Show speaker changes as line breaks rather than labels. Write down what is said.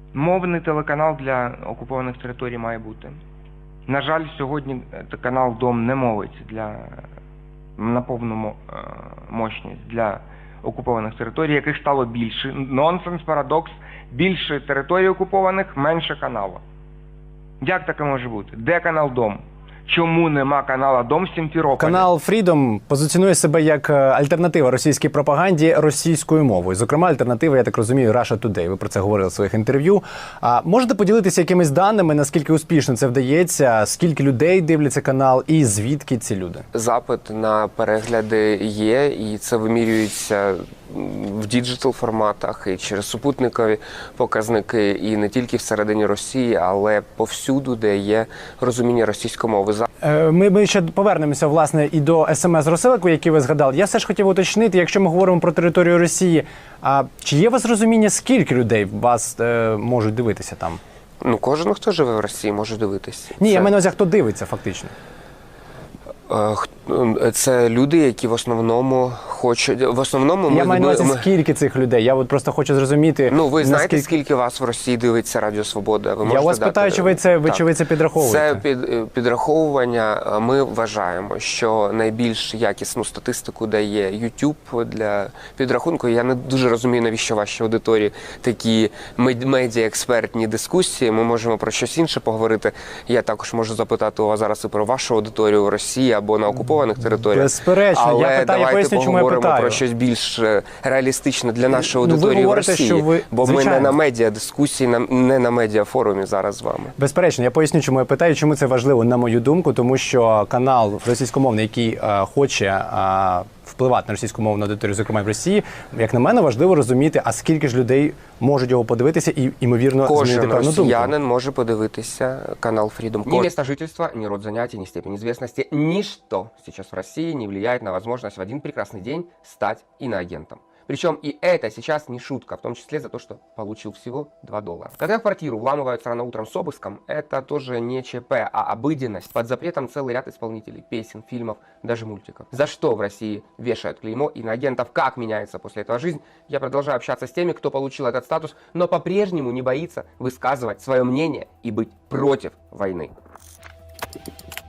Мовний телеканал для окупованих територій має бути. На жаль, сьогодні канал «Дом» не мовить на повну мощність для окупованих територій, яких стало більше. Нонсенс, парадокс. Більше територій окупованих, менше каналу. Як таке може бути? Де канал «Дом»? Чому нема канала «Дом» в Сімферополі?
Канал Freedom позиціонує себе як альтернатива російській пропаганді російською мовою. Зокрема, альтернатива, я так розумію, Russia Today. Ви про це говорили в своїх інтерв'ю. А можете поділитися якимись даними, наскільки успішно це вдається, скільки людей дивляться канал і звідки ці люди?
Запит на перегляди є, і це вимірюється в діджитал форматах і через супутникові показники, і не тільки всередині Росії, але повсюду, де є розуміння російської мови.
Ми ще повернемося, власне, і до СМС-розсилок, які ви згадали. Я все ж хотів уточнити, якщо ми говоримо про територію Росії, чи є у вас розуміння, скільки людей вас можуть дивитися там?
Ну, кожен, хто живе в Росії, може дивитися.
Ні, я маю на увазі, хто дивиться, фактично.
Це люди, які в основному хочуть... В основному
я маю на увазі, скільки цих людей? Я от просто хочу зрозуміти...
Ну, ви знаєте, скільки вас в Росії дивиться Радіо Свобода? Ви
я вас питаю, чи ви це підраховуєте?
Це підраховування. Ми вважаємо, що найбільш якісну статистику дає YouTube для підрахунку. Я не дуже розумію, навіщо вашій аудиторії такі медіа-експертні дискусії. Ми можемо про щось інше поговорити. Я також можу запитати у вас зараз і про вашу аудиторію в Росії або на окупованих територіях.
Безперечно.
Але давайте поговоримо про щось більш реалістичне для нашої аудиторії в Росії. Бо ми не на медіа-дискусії, не на медіа-форумі зараз з вами.
Безперечно. Я поясню, чому я питаю, чому це важливо, на мою думку, тому що канал російськомовний, який хоче впливати на російськомовну аудиторію, зокрема в Росії, як на мене, важливо розуміти, а скільки ж людей можуть його подивитися і, ймовірно, змінити певну думку.
Кожен росіянин може подивитися канал Freedom.
Ни место жительства, ни род занятий, ни степень известности, ничто сейчас в России не влияет на возможность в один прекрасный день стать иноагентом. Причем и это сейчас не шутка, в том числе за то, что получил всего $2. Когда в квартиру вламываются рано утром с обыском, это тоже не ЧП, а обыденность. Под запретом целый ряд исполнителей, песен, фильмов, даже мультиков. За что в России вешают клеймо иноагентов, как меняется после этого жизнь? Я продолжаю общаться с теми, кто получил этот статус, но по-прежнему не боится высказывать свое мнение и быть против войны.